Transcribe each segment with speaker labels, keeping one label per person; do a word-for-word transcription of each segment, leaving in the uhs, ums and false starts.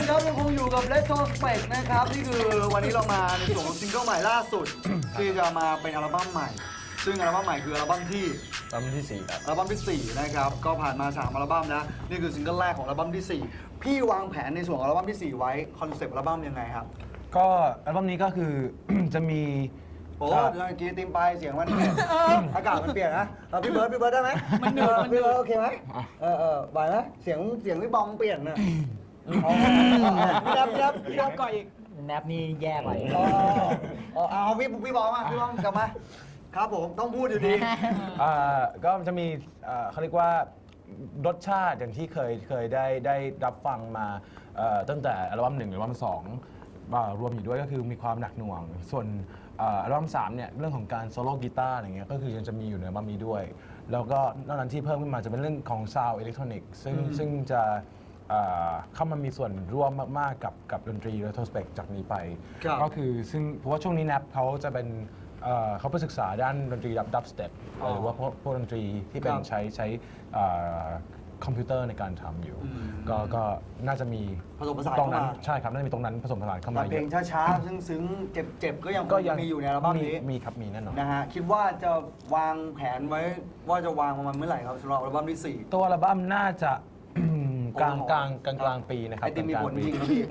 Speaker 1: นครับยังคงอยู่กับ Retrospect นะครับนี่คือวันนี้เรามาในส่วนของซิงเกิลใหม่ล่าสุด ที่จะมาเป็นอัลบั้มใหม่ ซึ่งอัลบั้มใหม่คืออัลบั้มที่
Speaker 2: อัลบั้มที่สี่ครับ
Speaker 1: อัลบั้มที่สี่นะครับก็ผ่านมาสามอัลบั้มแล้วนี่คือซิงเกิลแรกของอัลบั้มที่สี่พี่วางแผนในส่วนของอัลบั้มที่สี่ไว้คอนเซปต์อัลบั้มยังไงครับ
Speaker 2: ก็อัลบั้มนี้ก็คือ จะมี
Speaker 1: โอ้เมื่อกี้ติมไปเสียงมันอากาศมันเปลี่ยนนะเอาพี่เบิร์ดพี่เบิร์ดได้ไหม
Speaker 3: มันเหนื่อยมันเหนื่
Speaker 1: พี่
Speaker 3: อย
Speaker 1: เบิร์ดโอเคไหมเออเออไหวไหมเสียงเสียงพี่บองเปลี่ยนน่ะอ๋อพี่รับพี่รับพี่รับ
Speaker 3: ก่อนอีก
Speaker 4: แนบนี่แย่กว่าอีก
Speaker 1: อ๋ออ๋อเอาพี่พี่บองมาพี่บองกลับมาครับผมต้องพูดอยู่ดี
Speaker 2: อ่าก็จะมีอ่าเขาเรียกว่ารสชาติอย่างที่เคยเคยได้ได้รับฟังมาเอ่อตั้งแต่อัลบั้มหนึ่งหรืออัลบั้มสองอ่ารวมอยู่ด้วยก็คือมีความหนักหน่วง ส่วนอ่าอัลบั้มสามเนี่ยเรื่องของการโซโล่กีตาร์อะไรเงี้ยก็คือยังจะมีอยู่ในอัลบั้มนี้ด้วย แล้วก็นอกนั้นที่เพิ่มขึ้นมาจะเป็นเรื่องของซาวด์อิเล็กทรอนิกส์ซึ่งซึ่งจะอ่าเข้ามามีส่วนร่วมมากๆกับกับดนตรี Retrospect จากนี้ไป
Speaker 1: ครับ
Speaker 2: ก็คือซึ่งเพราะว่าช่วงนี้แนปเขาจะเป็นเอ่อเขาไปศึกษาด้านดนตรีดับดับสเต็ป
Speaker 1: อ๋อ
Speaker 2: หรือว่าพวกพวกดนตรีที่เป็น
Speaker 1: ครับ
Speaker 2: ใช้ใช้เอ่อคอมพิวเตอร์ในการทำอยู่
Speaker 1: อืม
Speaker 2: ก็ก็น่าจะมี
Speaker 1: ผสมผสาน
Speaker 2: ตรงนั้น
Speaker 1: เข้ามา
Speaker 2: ใช่ครับน่าจะมีตรงนั้นผสมผสานเข้า
Speaker 1: แต่
Speaker 2: มา
Speaker 1: เพลงช้าๆ ซึ้งๆ เจ็บๆ ก็ยังคงมีอยู่ในอัลบั้มนี้
Speaker 2: มีครับมีแน่นอน
Speaker 1: นะฮะคิดว่าจะวางแผนไว้ว่าจะวางประมาณเมื่อไหร่ครับสำหรับอัลบั้มที่สี่
Speaker 2: ตัวอัลบั้มน่าจะ กลาง
Speaker 1: โอ้โห
Speaker 2: กลางกลางกลางปีนะครับ
Speaker 1: ไอติมมีผล
Speaker 2: กาง
Speaker 1: จ
Speaker 2: ๆ
Speaker 1: ริ
Speaker 2: ปี
Speaker 1: งครับพี่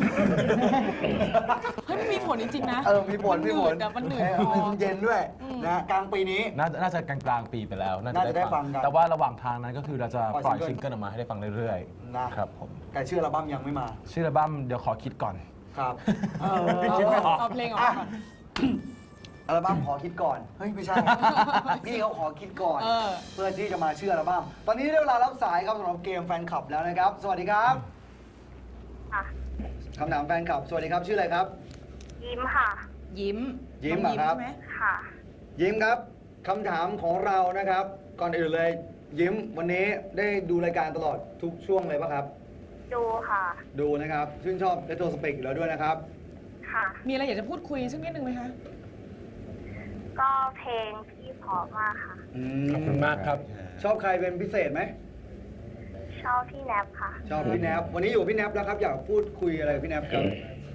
Speaker 3: เฮ้ยมันมีผลจริงๆนะ
Speaker 1: เออมีผลมีผล
Speaker 3: มันเหนื่อย
Speaker 1: เออมันเย็นด้วยนะฮะกลางปีนี้
Speaker 2: น่าจะน่าจะกลางกลางปีไปแล้ว
Speaker 1: น่าจะได้ฟังกัน
Speaker 2: แต่ว่าระหว่างทางนั้นก็คือเราจะ
Speaker 1: ป
Speaker 2: ป
Speaker 1: ล่
Speaker 2: ล่
Speaker 1: อ
Speaker 2: อย ย
Speaker 1: ซิ
Speaker 2: ซิ
Speaker 1: ง
Speaker 2: ง
Speaker 1: เกิล
Speaker 2: เกิลออกมาให้ได้ฟังเรื่อย
Speaker 1: นะครับ
Speaker 2: ผม
Speaker 1: แต่ชื่ออัลบั้มยังไม่มา
Speaker 2: ชื่ออัลบั้มเดี๋ยวขอคิดก่อน
Speaker 1: ครับเออ
Speaker 2: คิดไม่ออก
Speaker 3: เอาเพลงออกมาก่อน
Speaker 1: อัลบั้มขอคิดก่อนเฮ้ยไม่ใช่ พี่เขาขอคิดก่อน
Speaker 3: เออ
Speaker 1: เพื่อที่จะมาชื่ออัลบั้มตอนนี้ได้เวลารับสายครับสำหรับเกมแฟนคลับแล้วนะครับ สวัสดีครับ
Speaker 5: ค่ะ
Speaker 1: คำถามแฟนคลับ สวัสดีครับชื่ออะไรครับ
Speaker 5: ยิ้มค่ะ
Speaker 3: ยิ้ม
Speaker 1: ยิ้ม
Speaker 3: น้อง
Speaker 1: เหรอครับ
Speaker 3: ใช่ไหม
Speaker 5: ค่ะ
Speaker 1: ยิ้มครับคำถามของเรานะครับ ก่อนอื่นเลย ยิ้มวันนี้ได้ดูรายการตลอดทุกช่วงเลยปะครับ
Speaker 5: ดูค่ะ ดู
Speaker 1: ดูนะครับชื่นชอบเรโทรสเปกอยู่แล้วด้วยนะครับ
Speaker 5: ค่ะ
Speaker 3: มีอะไรอยากจะพูดคุยสักนิดนึงไหมคะ
Speaker 5: ก็เพลงพี่เพราะมากค่ะ
Speaker 2: ขอบคุณมากครับ
Speaker 1: ชอบใครเป็นพิเศษไหม
Speaker 5: ชอบพี่แนบค่ะ
Speaker 1: ชอบพี่แนบวันนี้อยู่พี่แนบแล้วครับอยากพูดคุยอะไรกับพี่แนบครับ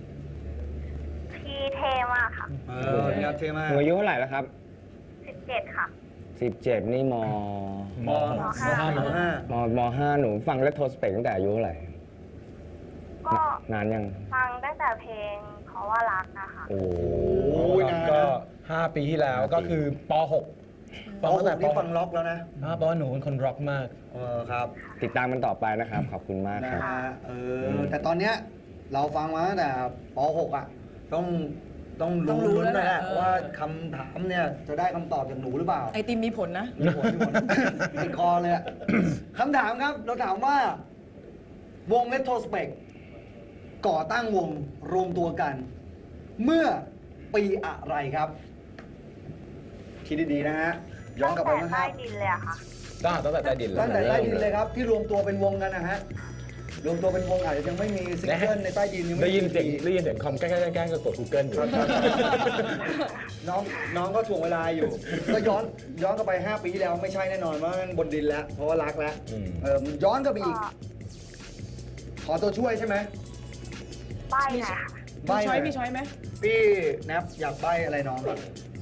Speaker 5: พี่เท่มากค่ะ
Speaker 1: เออพี่แนบเท่มาก
Speaker 4: หนูอายุเท่าไหร่แล้วครับ
Speaker 5: สิบเจ็ดค่ะ
Speaker 4: สิบเจ็ดนี่ม
Speaker 1: ม
Speaker 5: มห้า
Speaker 1: มห้าม
Speaker 4: มห้าหนูฟังเรโทรสเปกตั้งแต่อายุเท่าไหร่
Speaker 5: ก็
Speaker 4: นานยัง
Speaker 5: ฟังตั้งแต่เพลงเพราะว่ารักนะคะ
Speaker 4: โอ้
Speaker 1: โอ้ยนาน
Speaker 2: ก็
Speaker 1: นะ
Speaker 2: ห้าปีที่แล้วก็คือป .หก
Speaker 1: ปหกนี่ฟังล็อกแล้วนะ
Speaker 2: อ่าเพราะว่าหนูเป็นคนร็อกมาก
Speaker 1: เออครับ
Speaker 4: ติดตามมันต่อไปนะครับ ขอบคุณมาก
Speaker 1: นะครับ ฮะเออ
Speaker 4: ม
Speaker 1: แต่ตอนเนี้ยเราฟังมาตั้งแต่ปหกอ่ะต้องต้อง
Speaker 3: ต้อ
Speaker 1: รู้
Speaker 3: งรู้
Speaker 1: ลุ้น
Speaker 3: แล้ว
Speaker 1: แล้วแหละ
Speaker 3: แหละเออ
Speaker 1: ว่าคำถามเนี่ยจะได้คำตอบจากหนูหรือเปล่า
Speaker 3: ไอติมมีผลนะ
Speaker 1: มีผลมีผลติดคอเลยอะคำถามครับ เราถามว่าวง Retrospect ก่อตั้งวงรวมตัวกัน เมื่อปีอะไรครับ คิดดีๆนะฮะ ย้อนกลับไป
Speaker 5: ตั้ง
Speaker 1: นะ
Speaker 5: แต่
Speaker 1: ค
Speaker 5: ใต้
Speaker 1: รับ
Speaker 5: ดินเลยอะค่ะ
Speaker 2: ตั้งตั้งแต่ใต้ดิน
Speaker 1: ตั้งแต่ใต้ดินเลยครับ ที่รวมตัวเป็นวงกันนะฮะ รวมตัวเป็นวงอาจจะยังไม่มีซิงเกิลในใต้ดินยังไม่
Speaker 2: ได้ยิน
Speaker 1: มี
Speaker 2: เสียงได้ยินเสียงคอมแกล้งแกล้งแกล้งก็กด Google อยู่
Speaker 1: น้องน้องก็ถ่วงเวลาอยู่ ก็ย้อนย้อนกลับไป ห้า ปีที่แล้วไม่ใช่แน่นอนว่ามันบนดินแล้ว เพราะว่ารักแล้ว
Speaker 2: อืม
Speaker 1: เออย้อนกลับไป
Speaker 5: ก็
Speaker 1: อีก ขอตัวช่วยใช่ไหม
Speaker 5: ใบ้หน่อยค่ะ
Speaker 3: มี
Speaker 1: ใบ้
Speaker 3: ช้อย
Speaker 1: หน่
Speaker 3: มีช้อยไหม
Speaker 1: พี่แนบอยากใบ้อะไรน้องก่อน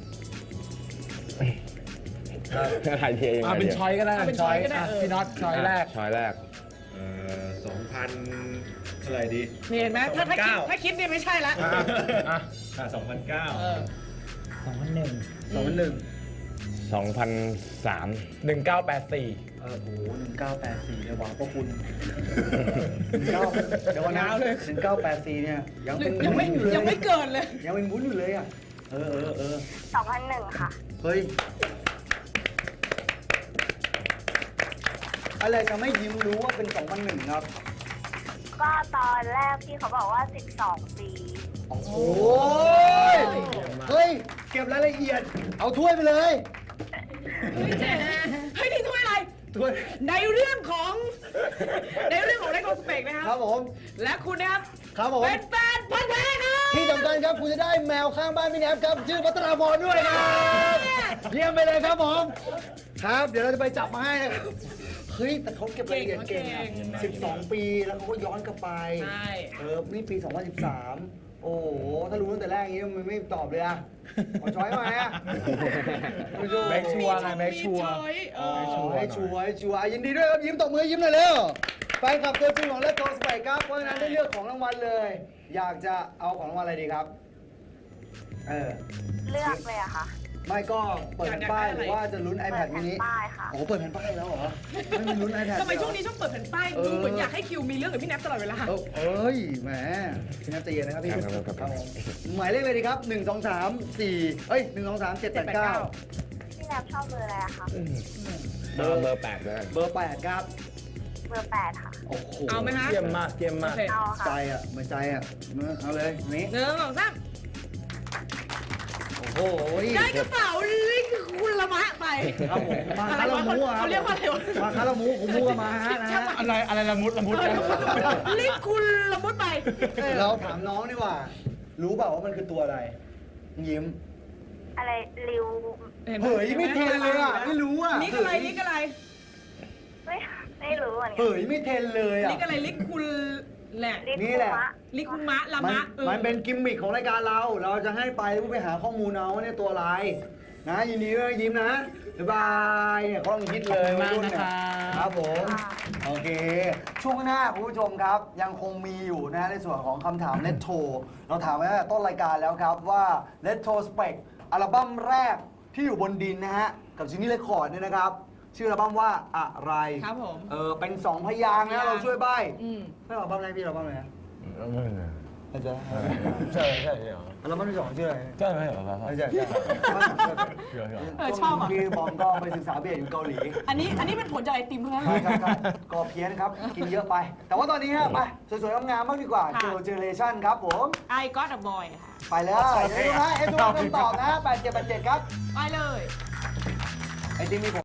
Speaker 1: ครับ
Speaker 4: ถ่ายเทียยังไง
Speaker 2: อ่าเป็นช้อยก็ได้
Speaker 3: เอาเป็นช้อยก็ได้
Speaker 2: อ่ะ
Speaker 3: เออ
Speaker 2: พี่น็อตช้อยแรก
Speaker 4: ช้อยแรก
Speaker 6: เอ่อสองพันเท่าไหร่ดี
Speaker 3: นี่เห็นไหมถ้าถ้าคิด
Speaker 6: สองพันเก้า
Speaker 3: ถ้าคิดเนี่ยไม่ใช่ละ
Speaker 2: อ่ะ
Speaker 6: อ่าสองพันเก้า
Speaker 3: เออ
Speaker 1: สองพันหนึ่งสองพันหนึ่ง
Speaker 4: สองพันสาม
Speaker 2: หนึ่งเก้าแปดสี่
Speaker 1: เออโหหนึ่งเก้าแปดสี่เลยหวังพระคุณเก้าเดี๋ยวก่อนนะ
Speaker 3: ยาวเลย
Speaker 1: หนึ่งเก้าแปดสี่เนี่ยยังเป็น
Speaker 3: ยังไม่
Speaker 1: วุ้นอยู่เลย
Speaker 3: ยังไม่เกินเลย
Speaker 1: ยังเป็นวุ้นอยู่เลยอ่ะเออเออเออ
Speaker 5: สองพันหนึ่งค่ะ
Speaker 1: เฮ้ยอะไรจะไม่ยิ้มรู้ว่าเป็นสองพันหนึ่งครับ
Speaker 5: ก็ตอนแรกพี่เขาบอกว่าสิบสองปี
Speaker 1: โอ้โหเฮ้ย เก็บรายละเอียด เอาถ้วยไปเลย
Speaker 3: เฮ้ยเจ๊เฮ้ยนี่ถ้วยอะไร
Speaker 1: ถ้วย
Speaker 3: ในเรื่องของ ในเรื่องของเลโกสเปกนะค
Speaker 1: ครั
Speaker 3: รั
Speaker 1: บบ ผม
Speaker 3: และคุณนะครับ
Speaker 1: ครับผม
Speaker 3: เป็นแฟนพันธุ์แท้ครับ
Speaker 1: ที่สำคัญครับคุณจะได้แมวข้างบ้านพี่แนบครับ ชื่อพัตราพรด้วยครับ เยี่ยมไปเลยครับผม ครับ เดี๋ยวเราจะไปจับมาให้นะครับเฮ้ยแต่เขาเก็บรายละเอียดเก่งอะ
Speaker 3: เก่ง
Speaker 1: สิบสองปีแล้วเขาก็ย้อนกลับไป
Speaker 3: ใช่
Speaker 1: เออ นี่ปี สองพันสิบสาม โอ้โห ถ้ารู้ตั้งแต่แรกอย่างนี้มันไม่ตอบเลยอะขอช้อยมาอะ
Speaker 2: แม็กชัวร์ไงแม็กชัวร์
Speaker 3: มีช้อยเอ
Speaker 1: อ๋อ
Speaker 3: อ
Speaker 1: ให้ชัวร์ให้ชัวร์ยินดีด้วยครับ ยิ้มตบมือยิ้มหน่อยเร็วแฟนคลับตัวจริงของเลตโตสไปครับ เพราะฉะนั้นได้เลือกของรางวัลเลย อยากจะเอาของรางวัลอะไรดีครับ เออ
Speaker 5: เลือกเลยอะค่ะ
Speaker 1: ไม่ก็เปิดแผ่นป้ายหรือว่าจะลุ้น
Speaker 5: เปิ
Speaker 1: iPad
Speaker 5: ดแผ่น
Speaker 1: mini
Speaker 5: ป้ายค่ะ
Speaker 1: โอ้โหเปิดแผ่นป้ายแล้วเหรอ ไม่มีลุ้น iPad
Speaker 3: ทำไม
Speaker 1: เหรอ
Speaker 3: ช่วงนี้ชอบเปิดแผ่นป้าย
Speaker 1: เออ
Speaker 3: ดูเหมือนอยากให้คิวมีเรื่องกับพี่แนทตลอดเวลา
Speaker 1: เออเอ้ย แหมพี่นัทใจเย็นนะครับพี่
Speaker 4: ครับครับครับ
Speaker 1: ครับผมหมายเลขเลยดีครับ หนึ่ง สอง สาม สี่ เอ้ย หนึ่ง สอง สาม เจ็ด แปด เก้า
Speaker 5: พี่แนบชอบเบอร์อะไรอะคะ
Speaker 4: เบอร์เบอร์แปดเลย
Speaker 1: เบอร์แปดครับ
Speaker 5: เบอร์แปดค่ะ
Speaker 1: โอ้โห
Speaker 3: เอาไหมคะ
Speaker 2: เยี่ยมมากเยี่ยม
Speaker 3: โอ
Speaker 2: มาก
Speaker 3: เค
Speaker 5: เอา
Speaker 1: ใจ
Speaker 5: ค่ะ
Speaker 1: อ่ะเหมือนใจอ่ะเอาเลยนี่
Speaker 3: หนึ่งสองสาม
Speaker 1: โอ้โห
Speaker 3: ได้กระเป๋าลิงคุณละมะไป
Speaker 1: ครับผมมา
Speaker 3: อะไร
Speaker 1: คารา
Speaker 3: ะ
Speaker 1: มูอ่ะ
Speaker 3: เขาเรียกว่าอะไรวะ
Speaker 1: มาคารามูผมมูกันมาฮะนะฮะ
Speaker 2: อะไรอะไรละมุดละมุด
Speaker 3: ลิงคุณละมุดไป
Speaker 1: เราถามน้องดีกว่า รู้เปล่าว่ามันคือตัวอะไร ยิ้ม
Speaker 5: อะไรริว
Speaker 3: ห็นไหม
Speaker 1: เฮ้ยไม่เทนเลยอ่ะ ไม่รู้อ่ะ
Speaker 3: ลิกอะไรลิกอะไร
Speaker 5: ไม่ไม่รู้เหมือนกั
Speaker 1: เฮ้ยไม่เทนเลยอ่ะ
Speaker 3: ลิกอะไรลิกคุณแหละ
Speaker 5: ลิ
Speaker 1: นี่แหละ
Speaker 5: คุมะ
Speaker 3: ลิกคุณมะละ
Speaker 1: มัน
Speaker 3: มะออ
Speaker 1: มันเป็นกิมมิคของรายการเรา เราจะให้ไปแล้วไปหาข้อมูลเอาว่าเนี่ยตัวอะไร นะยินดีด้วยยิ้มนะบ๊ายบายเนี่ยเขาต้องคิดเลย
Speaker 2: ขอบคุณมาก
Speaker 1: วัยรุ่เย
Speaker 2: นะครับ
Speaker 1: ครับผม โอเค ช่วงหน้าคุณผู้ชมครับ ยังคงมีอยู่นะในส่วนของคำถาม เลตโท เราถามไว้ตั้งแต่ต้นรายการแล้วครับว่า Retro Spec อัลบั้มแรกที่อยู่บนดินนะฮะ กับจินนี่เรคคอร์ดเนี่ยนะครับ ชื่ออัลบั้มว่าอะไร
Speaker 3: ครับผม
Speaker 1: เออเป็นสองพยางค์นะเราช่วยใบ้
Speaker 3: อืม
Speaker 1: ไม่อัลบั้มแรกพี่อัลบั้มอะไรนะอาจารย์
Speaker 2: ใช่ใช่ใช่
Speaker 1: อัลบั้มที่สองชื่ออะไร
Speaker 2: ใช่ไหมเหรอครับ
Speaker 1: ไม่ใช่ใช่
Speaker 3: เออชอบอ่ะ
Speaker 1: พี่บอมก็ไปศึกษาเบียร์อยู่เกาหลี
Speaker 3: อันนี้อันนี้เป็นผลจากไอติมเท่านั้น
Speaker 1: ใช่ครับใช่ก็เพี้ยนครับ กินเยอะไป แต่ว่าตอนนี้ฮะไปสวยๆงามๆบ้างดีกว่า
Speaker 3: ค่ะ
Speaker 1: เจอเจเนเรชั่นครับผม
Speaker 3: ไอก็อดบอยค่ะ
Speaker 1: ไปเลยเดี๋ยวดูนะเอ็นดูคำตอบนะแปดเจ็ดแปดเจ็ดครับ
Speaker 3: ไปเลย
Speaker 1: ไอติมมีผม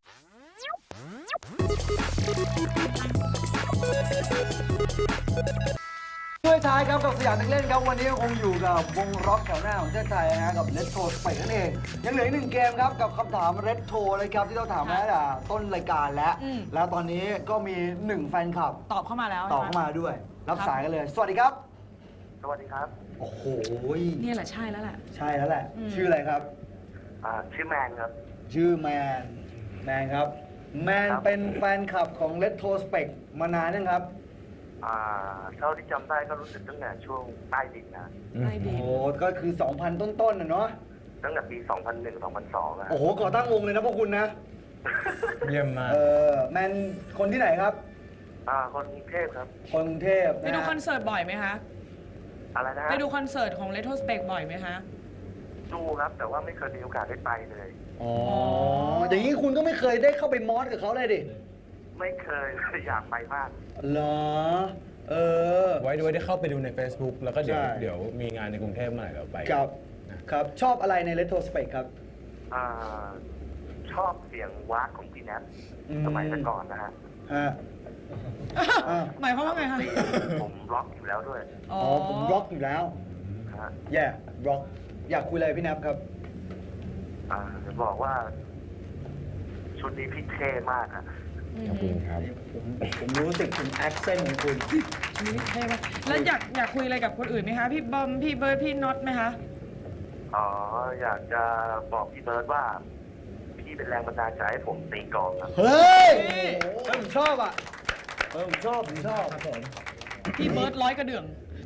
Speaker 1: ช่วยท้ายครับกับสยามนักเล่นครับวันนี้ยังคงอยู่กับวงร็อกแถวหน้าของประเทศไทยนะฮะกับ Retro Spec นั่นเอง ยังเหลืออีกหนึ่งเกมครับกับคำถาม Retro เลยครับที่เราถามมาตั้งแต่ต้นรายการแล้ว
Speaker 3: อืม
Speaker 1: แล้วตอนนี้ก็มีหนึ่งแฟนคลับ
Speaker 3: ตอบเข้ามาแล้ว
Speaker 1: ต่อเข้ามาด้วย รับสายกันเลย สวัสดีครับ
Speaker 7: สวัสดีครับ
Speaker 1: โอ้โห
Speaker 3: เนี่ยแหละใช่แล้วแหละ
Speaker 1: ใช่แล้วแหละ
Speaker 3: อืม
Speaker 1: ชื่ออะไรครับ
Speaker 7: อ่าชื่อแมนครับ
Speaker 1: ชื่อแมน แมนครับ แมน
Speaker 7: ครับ
Speaker 1: เป็นแฟนคลับของ Retro Spec มานานยังครับ
Speaker 7: อ่าเท่าที่จำได้ก็รู้สึกตั้งแต่ช่วงใต้ดินนะ
Speaker 3: ไอดี
Speaker 1: โอ้โหก็คือ สองพัน ต้นๆนะเนาะ
Speaker 7: ตั้งแต่ปี สองพันหนึ่ง สองพันสองอะ
Speaker 1: โอ้โห ก่อตั้งวงเลยนะพวกคุณนะ
Speaker 2: เยี่ยมมาก
Speaker 1: เออ แมนคนที่ไหนครับ
Speaker 7: อ่าคนกรุงเทพครับ
Speaker 1: คนกรุงเทพ
Speaker 3: ไป
Speaker 1: นะ
Speaker 3: ดู
Speaker 1: ฮะ
Speaker 3: คอนเสิร์ตบ่อยไหมคะ
Speaker 7: อะไรนะฮะ
Speaker 3: ไปดูคอนเสิร์ตของ Retro Spec บ่อยไหมคะ
Speaker 7: ดูครับ แต่ว่าไม่เคยมีโอกาสได้ไปเลย
Speaker 1: อ๋อ อย่างนี้คุณก็ไม่เคยได้เข้าไปมอสกับเขาเลยดิ
Speaker 7: ไม่เคย อยากไปมาก
Speaker 1: เหรอ เออ
Speaker 2: ไว้ด้วยได้เข้าไปดูใน Facebook แล้วก็เดี๋ยว
Speaker 1: ใช่
Speaker 2: เดี๋ยวมีงานในกรุงเทพเมื่อไหร่เราไป
Speaker 1: ครับ ครับ ชอบอะไรใน Retro Spec ครับ
Speaker 7: อ่าชอบเสียงวากของพี่แนท
Speaker 1: อืม
Speaker 7: สมัยแต่ก่อนนะฮะ
Speaker 1: ฮะ อ่า
Speaker 3: หมายความว่าไงคะ
Speaker 7: ผมร็อกอยู่แล้วด้วย
Speaker 3: อ๋
Speaker 1: อ๋
Speaker 3: อ
Speaker 1: อ ผมร็อกอยู่แล้ว
Speaker 7: นะฮะ
Speaker 1: แย่ร็อก อยากคุยอะไรพี่แนบครับ
Speaker 7: อ่าจะบอกว่า ชุดนี้พี่เท่มากอะ
Speaker 4: ขอบคุณครับ
Speaker 1: ผมผมรู้สึกถึงแอคเซนต์ของคุณ
Speaker 3: นี่เท่มากแล้วอยากอยากคุยอะไรกับคนอื่นไหมคะ พี่บอม พี่เบิร์ด พี่น็อตไหมคะ
Speaker 7: อ๋ออยากจะบอกพี่เบิร์ดว่า พี่เป็นแรงบันดาลใจให้ผมตีกลองครับ
Speaker 1: เฮ้ย
Speaker 3: เฮ้ย
Speaker 1: เฮ้ยผมชอบอ่ะ เออผมชอบ ผมชอบครับผม
Speaker 3: พี่เบิร์ดร้อยกระเดื่อง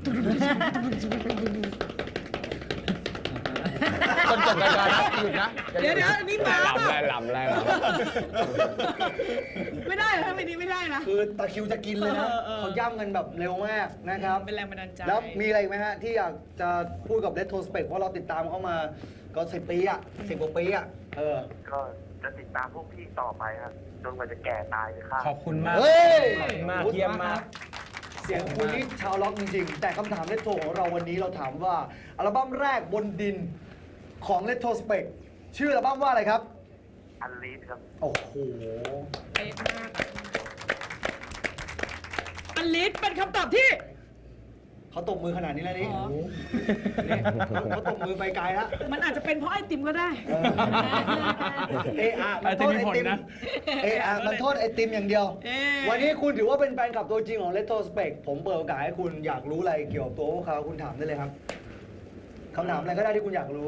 Speaker 2: คนจบรายการนะหยุดนะ
Speaker 3: เดี๋ยวเดี๋ยวนี่มา
Speaker 4: ไล่ลำ
Speaker 3: เป
Speaker 4: ไล่
Speaker 3: ล่า
Speaker 4: ลำไล่ล
Speaker 3: ไม่ได้เหรอทำไมนี้ไม่ได้นะ
Speaker 1: คือตะคริวจะกินเลยนะ
Speaker 3: เออเออ
Speaker 1: เขาย่ำกันแบบเร็วมากนะครับ
Speaker 3: เป็นแรงบันดาลใจ
Speaker 1: แล้วมีอะไรอีกไหมฮะ ที่อยากจะพูดกับ Retro Spec เพราะเราติดตามเขามาก็สิบปีอ่ะสิบกว่าปีอ่ะ เออ
Speaker 7: ก็จะติดตามพวกพี่ต่อไปครับจนกว่าจะแก่ตายเลยครับ
Speaker 2: ขอบคุณมาก
Speaker 1: เฮ้ย
Speaker 2: ขอบคุณมาก เยี่ยมมาก
Speaker 1: เสียงคุณนี่ชาวล็อกจริงๆ แต่คำถาม Retro ของเราวันนี้เราถามว่า อัลบั้มแรกบนดินของ Retro Spec ชื่ออัลบั้มว่าอะไรครับ
Speaker 7: อันลีดครับ
Speaker 1: โอ้โห
Speaker 3: เป๊ะมากอะอลิสเป็นคำตอบที่
Speaker 1: เขาตบมือขนาดนี้แล้วนี่
Speaker 3: อ๋อ
Speaker 1: นี่เขาตบมือไปไกลแล้ว
Speaker 3: มันอาจจะเป็นเพราะไอติมก็ได้
Speaker 1: เอออะมันโทษไอติม
Speaker 2: ไอติมมีผลนะ
Speaker 1: เอออะมันโทษไอติมอย่างเดียว
Speaker 3: เอ๊ะ
Speaker 1: วันนี้คุณถือว่าเป็นแฟนคลับตัวจริงของ Retrospect ผมเปิดโอกาสให้คุณอยากรู้อะไรเกี่ยวกับตัวพวกเขาคุณถามได้เลยครับคำถามอะไรก็ได้ที่คุณอยากรู้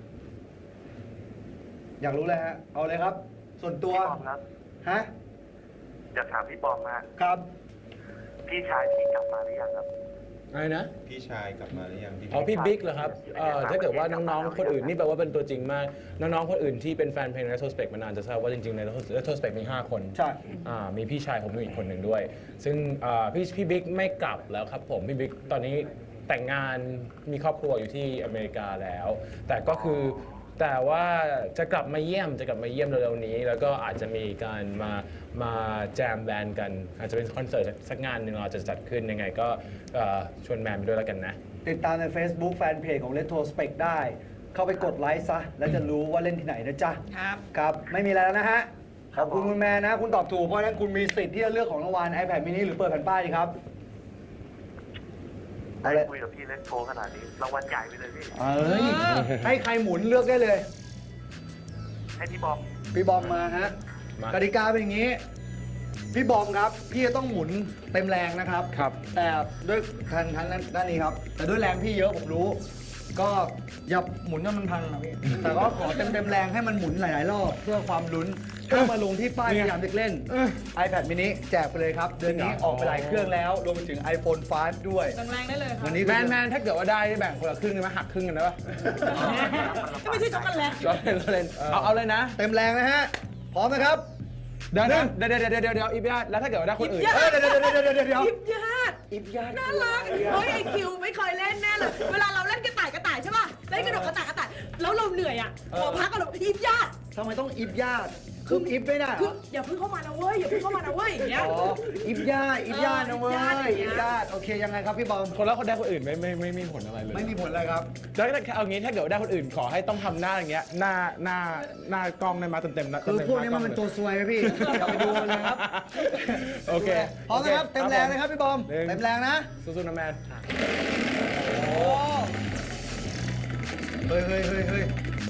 Speaker 1: อยากรู้เลยฮะ เอาเลยครับ ส่วนตัว
Speaker 7: พี่บอมครับ
Speaker 1: ฮะ
Speaker 7: อยากถามพี่บอมมาก
Speaker 1: ครับ
Speaker 7: พี่ชายพี่กลับมาหรือยังครับ
Speaker 2: อะไรนะ
Speaker 6: พี่ชายกลับมาหรือยังพี่
Speaker 2: อ๋อพี่บิ๊กเหรอครับเอ่อถ้าเกิดว่าน้องๆ คนอื่นนี่แปลว่าเป็นตัวจริงมาก น้องๆ คนอื่นที่เป็นแฟนเพลง Retrospect มานานจะทราบว่าจริงๆ ใน Retrospect มี ห้า คน
Speaker 1: ใช่
Speaker 2: อ่ามีพี่ชายผมอยู่อีกคนหนึ่งด้วย ซึ่งอ่าพี่พี่บิ๊กไม่กลับแล้วครับผม พี่บิ๊กตอนนี้แต่งงานมีครอบครัวอยู่ที่อเมริกาแล้ว แต่ก็คือแต่ว่าจะกลับมาเยี่ยมจะกลับมาเยี่ยมเร็วๆนี้ แล้วก็อาจจะมีการมามาแจมแบนด์กัน อาจจะเป็นคอนเสิร์ตสักงานหนึ่งเราจะจัดขึ้นยังไงก็เอ่อชวนแมนไปด้วยแล้วกันนะ
Speaker 1: ติดตามใน Facebook แฟนเพจของ Retrospect ได้ เข้าไปกดไลค์ซะ แล้วจะรู้ว่าเล่นที่ไหนนะจ๊ะ
Speaker 3: ครับ
Speaker 1: ครับ ไม่มีอะไรแล้วนะฮะ ขอบคุณคุณแม่นะ คุณตอบถูก เพราะฉะนั้นคุณมีสิทธิ์ที่จะเลือกของรางวัล iPad mini หรือเปิดแผ่นป้ายดีครับ เอา
Speaker 7: ได้
Speaker 1: เลย
Speaker 7: คุยกับพี่เล็กโทรขนาดนี้รางวัลใหญ่ไปเลยพี่
Speaker 1: เอ้ย ให้ใครหมุนเลือกได้เลย
Speaker 7: ให้พี่บอม
Speaker 1: พี่บอมมาฮะ
Speaker 2: มา
Speaker 1: กติกาเป็นอย่างนี้ พี่บอมครับ พี่จะต้องหมุนเต็มแรงนะครับ
Speaker 2: ครับ
Speaker 1: แต่ด้วยทางทางด้านนี้ครับ แต่ด้วยแรงพี่เยอะผมรู้ ก็อย่าหมุนจนมันพังนะพี่ แต่ก็ขอเต็มเต็มๆแรงให้มันหมุนหลาย ๆ รอบ เพื่อความลุ้นถ้ามาลงที่ป้ายสยามเด็กเล่น iPad mini แจกไปเลยครับ เดือนนี้ออกไปหลายเครื่องแล้ว รวมไปถึง iPhone ไฟว์ ด้วย
Speaker 3: แรงๆได้เลยครับ
Speaker 1: วันนี้
Speaker 2: แมนแมนถ้าเกิดว่าได้ได้แบ่งคนละครึ่งได้ไหมหักครึ่งกันได้ปะ
Speaker 3: ก็ไม่ใช่ช็อกโกแลต
Speaker 2: เราเล่นเราเล่นเอาเอาเลยนะ
Speaker 1: เต็มแรงนะฮะ พร้อมนะครับ
Speaker 2: เดี๋ยวนะเดี๋ยวเดี๋ยวเดี๋ยวเดี๋ยวเดี๋ยวอีพีแล้วถ้าเกิดว่าได้คนอื่น
Speaker 3: อีพี
Speaker 1: เอ้ยเดี๋ยวเดี๋ยวเดี๋ยวเดี๋ยวเดี๋ยวเดี๋ยว
Speaker 3: ยิบญาติ
Speaker 1: อิฟยาด
Speaker 3: น่ารักเฮ้ยไอคิวไม่เคยเล่นแน่เลย เวลาเราเล่นกระต่ายกระต่ายใช่ป่ะ เล่นกระโดดกระต่ายกระต่าย แล้วเราเหนื่อยอ่ะ ขอพักกันหรอยิบญาติ
Speaker 1: ทำไมต้องอิฟยาดคืออิฟไม่ได้เหร
Speaker 3: คือ
Speaker 1: อ
Speaker 3: อย่าเพิ่งเข้ามานะเว้ย อย่าเพิ่งเข้ามานะเว้ยอย่างเงี้ย
Speaker 1: อ๋อ อิฟยาดอิฟยาดนะเว้ย
Speaker 3: เอออิ
Speaker 1: อิฟ
Speaker 3: ฟ
Speaker 1: ยา
Speaker 3: ญา
Speaker 1: ด
Speaker 3: ติ
Speaker 1: โอเคยังไงครับพี่บอม
Speaker 2: คนแล้วคนได้คนอื่นไม่ไม่ไม่ไม่มีผลอะไรเลย
Speaker 1: ไม่มีผลอะไรครับ
Speaker 2: แล้วถ้าเอางี้ถ้าเกิดว่าได้คนอื่นขอให้ต้องทำหน้าอย่างเงี้ยหน้าหน้าหน้ากล้องได้มาเต็มเต็มๆนะ
Speaker 1: คือ
Speaker 2: ต็ๆ
Speaker 1: พวกนี้มัน
Speaker 2: ห
Speaker 1: เป็นตัว
Speaker 2: ลย
Speaker 1: ซวยไหมพี่ อย่าไปดูมันเลยครับ
Speaker 2: โอเค
Speaker 1: พร้อมนะครับ เต็มแรงนะครับพี่บอม
Speaker 2: หนึ่ง
Speaker 1: เต็มแรงนะ
Speaker 2: สู้ๆนะแมน
Speaker 1: โอ้เฮ้ยเฮ้ยเฮ้ยเฮ้ย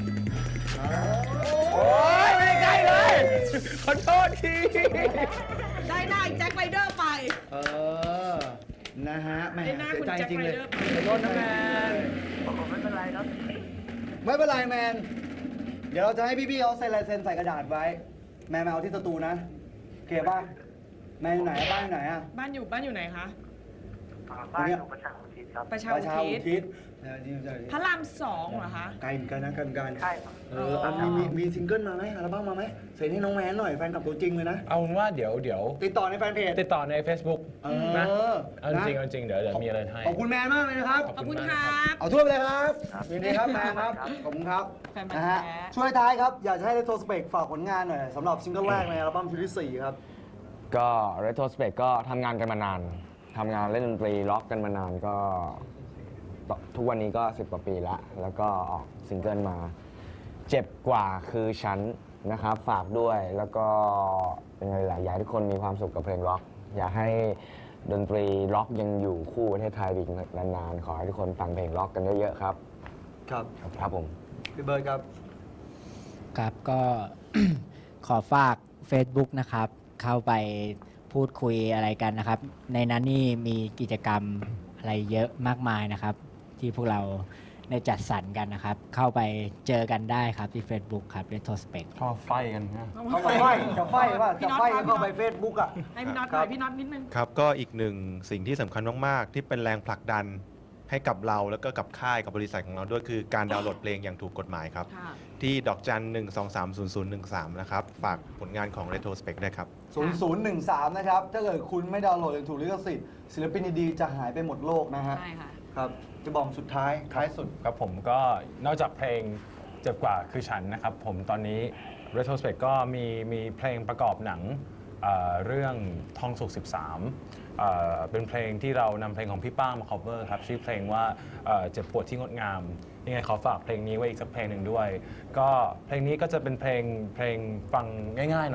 Speaker 2: โอ้ยไม่ใกล้เลยขอโทษที
Speaker 3: ได้หน้าไอ้แจ็คไรเดอร์ไป
Speaker 1: เออ นะฮะแหม่
Speaker 3: ได้หน้า
Speaker 1: เสี
Speaker 3: คุ
Speaker 1: ย
Speaker 3: ณ
Speaker 1: ใจ
Speaker 3: แจ็ค
Speaker 1: จริง
Speaker 3: ไร
Speaker 1: เลย
Speaker 3: เดอร์ไป
Speaker 2: ขอโทษนะแมน
Speaker 7: ผมไม่เป็นไรครับ
Speaker 1: ไม่เป็นไรแมน เดี๋ยวเราจะให้พี่ๆเขาเซ็นลายเซ็นใส่กระดาษไว้ แมนมาเอาที่สตูนะโอเคป่ะ แมนอยู่ไหนอะบ้านอยู่ไหนอะ
Speaker 3: บ้านอยู่บ้านอยู่ไหนคะ
Speaker 7: บ้านอยู่ประชาอุทิศครับ
Speaker 3: ประชา
Speaker 1: ป
Speaker 3: อุ
Speaker 1: ระชา
Speaker 3: ทิ
Speaker 1: อุ
Speaker 3: ศ
Speaker 1: ทิศเดี๋ยวนี่เดี๋ยวนี่
Speaker 3: พระรามสองเหรอคะ
Speaker 1: ไกลเหมือนกันนะกันกัน
Speaker 7: ใช่ครับ
Speaker 1: เอออ่ะมีมีมีซิงเกิลมาไหมอัลบั้มมาไหมเซ็นให้น้องแมนหน่อยแฟนคลับตัวจริงเลยนะ
Speaker 2: เอาเป็นว่าเดี๋ยวเดี๋ยว
Speaker 1: ติดต่อในแฟนเพจ
Speaker 2: ติดต่อใน Facebook
Speaker 1: เออ
Speaker 2: นะเอาจ
Speaker 1: นะ
Speaker 2: ริงเอาจริงเดี๋ยวเดี๋ยวมีอะไรให้
Speaker 1: ขอบคุณแมนมากเลยนะครับ
Speaker 3: ขอบคุณค
Speaker 2: มาก
Speaker 3: รับ
Speaker 1: เอาทั่วไปเลยครับยินดีครับแมนครับ ขอบคุณครับ
Speaker 3: แฟนพันธุ์
Speaker 1: นะฮะ
Speaker 3: แท้
Speaker 1: ช่วยท้ายครับ อยากจะให้เรโทรสเปกฝากผลงานหน่อยสำหรับซิงเกิลแรกในอัลบั้มชุดที่สี่ครับ
Speaker 4: ก็ Retrospect ก็ทำงานกันมานาน ทำงานเล่นดนตรีล็อกกันมานานก็ตทุกวันนี้ก็สิบกว่าปีละแล้วก็ออกซิงเกิลมา เจ็บกว่าคือฉันนะครับ ฝากด้วยแล้วก็เป็นไงล่ะอยากให้ทุกคนมีความสุขกับเพลงล็อก อยากให้ดนตรีล็อกยังอยู่คู่ประเทศไทยอีกนานๆ ขอให้ทุกคนฟังเพลงล็อกกันเยอะๆครับ
Speaker 1: ครับ
Speaker 4: ครับผม
Speaker 1: พี่เบิร์ดครับ
Speaker 8: ครับก็ ขอฝาก Facebook นะครับ เข้าไปพูดคุยอะไรกันนะครับ ในนั้นนี่มีกิจกรรมอะไรเยอะมากมายนะครับ ที่พวกเราได้จัดสรรกันนะครับ เข้าไปเจอกันได้ครับที่ Facebook ครับ Retrospect
Speaker 2: ชอบไฟกันนะ
Speaker 1: เข้าไปไฟจะไฟว่าจะไฟ
Speaker 3: พี่น็อต
Speaker 1: เข้าไปเฟซบุ๊กอ่ะ
Speaker 3: ให้พี่น็อตหน่อยพี่น็อตนิดนึง
Speaker 6: ครับก็อีกหนึ่งสิ่งที่สำคัญมากๆ ที่เป็นแรงผลักดันให้กับเราแล้วก็กับค่ายกับบริษัทของเราด้วยคือการดาวน์โหลดเพลงอย่างถูกกฎหมายครับ
Speaker 3: ค่ะ
Speaker 6: ที่ดอกจันหนึ่งสองสามศูนย์ศูนย์หนึ่งสามนะครับ ฝากผลงานของ Retrospect ด้วยครับ
Speaker 1: ศูนย์ศูนย์หนึ่งสามนะครับ ถ้าเกิดคุณไม่ดาวน์โหลดอย่างถูกลิขสิทธิ์ศิลปินดีๆจะหายไปหมดโลกนะฮะ
Speaker 3: ใช่ค่ะ
Speaker 1: ครับ จะบอกสุดท้ายท้ายสุด
Speaker 2: ครับผมก็นอกจากเพลงเจ็บกว่าคือฉันนะครับผมตอนนี้ Retrospect ก็มีมีเพลงประกอบหนังเอ่อเรื่องทองสุกสิบสามเอ่อเป็นเพลงที่เรานำเพลงของพี่ป้างมา cover ครับชื่อเพลงว่าเอ่อเจ็บปวดที่งดงามยังไงขอฝากเพลงนี้ไว้อีกสักเพลงหนึ่งด้วย ก็เพลงนี้ก็จะเป็นเพลงเพลงฟังง่ายๆหน่อย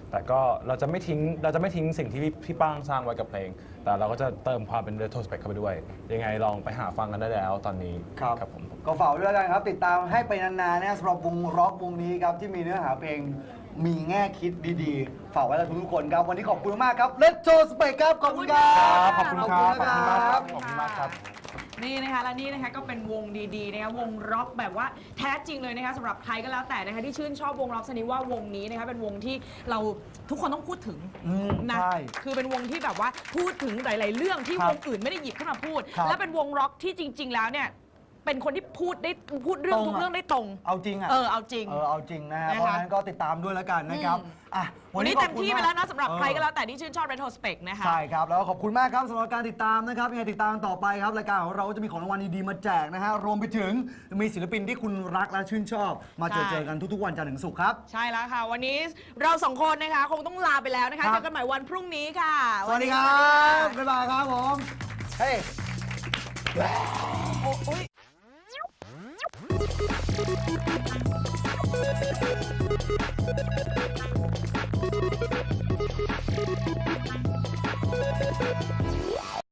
Speaker 2: แต่ก็เราจะไม่ทิ้งเราจะไม่ทิ้งสิ่งที่พี่พี่ป้างสร้างไว้กับเพลง แต่เราก็จะเติมความเป็น retrospect เข้าไปด้วย ยังไงลองไปหาฟังกันได้แล้วตอนนี้
Speaker 1: ครับ
Speaker 2: ครับผม
Speaker 1: ก็ฝากไว้ด้วยกันครับ ติดตามให้ไปนานๆนะสำหรับวงร็อกวงนี้ครับ ที่มีเนื้อหาเพลงมีแง่คิดดีๆ ฝากไว้กับทุกๆคนครับ วันนี้ขอบคุณมากครับ Retrospect ครับ ขอบคุณครับ
Speaker 2: ขอบคุณครับ
Speaker 1: ขอบคุณนะครับ
Speaker 2: ขอบคุณมากครับ
Speaker 3: นี่นะคะและนี่นะคะก็เป็นวงดีๆนะคะวงร็อกแบบว่าแท้จริงเลยนะคะสำหรับใครก็แล้วแต่นะคะที่ชื่นชอบวงร็อกชนิดว่าวงนี้นะคะเป็นวงที่เราทุกคนต้องพูดถึง
Speaker 1: อืม
Speaker 3: นะ
Speaker 1: ใช่
Speaker 3: คือเป็นวงที่แบบว่าพูดถึงหลาย ๆ เรื่องที่
Speaker 1: ครับ
Speaker 3: วงอื่นไม่ได้หยิบขึ้นมาพูด
Speaker 1: ครับ
Speaker 3: และเป็นวงร็อกที่จริง ๆ แล้วเนี่ยเป็นคนที่พูดได้พูดเรื่อง
Speaker 1: ตรง
Speaker 3: ทุก
Speaker 1: อะ
Speaker 3: เรื่องได้ตรง
Speaker 1: เอาจริงอ่ะ
Speaker 3: เออเอาจริง
Speaker 1: เออเอาจริงนะฮะ
Speaker 3: นะคะ
Speaker 1: เพราะฉะนั้นก็ติดตามด้วยแล้วกันนะครับ
Speaker 3: อืม
Speaker 1: อ่ะ
Speaker 3: วันนี้
Speaker 1: ขอบ
Speaker 3: เต็ม
Speaker 1: คุณ
Speaker 3: ที่ไปแล้วนะสำหรับ
Speaker 1: เออ
Speaker 3: ใครก็แล้วแต่ที่ชื่นชอบ Retrospect นะคะ
Speaker 1: ใช่ครับ แล้วก็ขอบคุณมากครับสำหรับการติดตามนะครับยังไงติดตามต่อไปครับรายการของเราก็จะมีของรางวัลดีๆมาแจกนะฮะรวมไปถึงมีศิลปินที่คุณรักและชื่นชอบ มาเจอ
Speaker 3: ใช่
Speaker 1: เจอกันทุกๆวันจันทร์ถึงศุกร์ครับ
Speaker 3: ใช่แล้วค่ะ วันนี้เราสองคนนะคะคงต้องลาไปแล้วนะคะ
Speaker 1: ครับ
Speaker 3: เจอกันใหม่วันพรุ่งนี้ค่ะ
Speaker 1: สวัสดีครับ บ๊ายบายครับผม เฮ้ย
Speaker 3: โอ้โอ้ย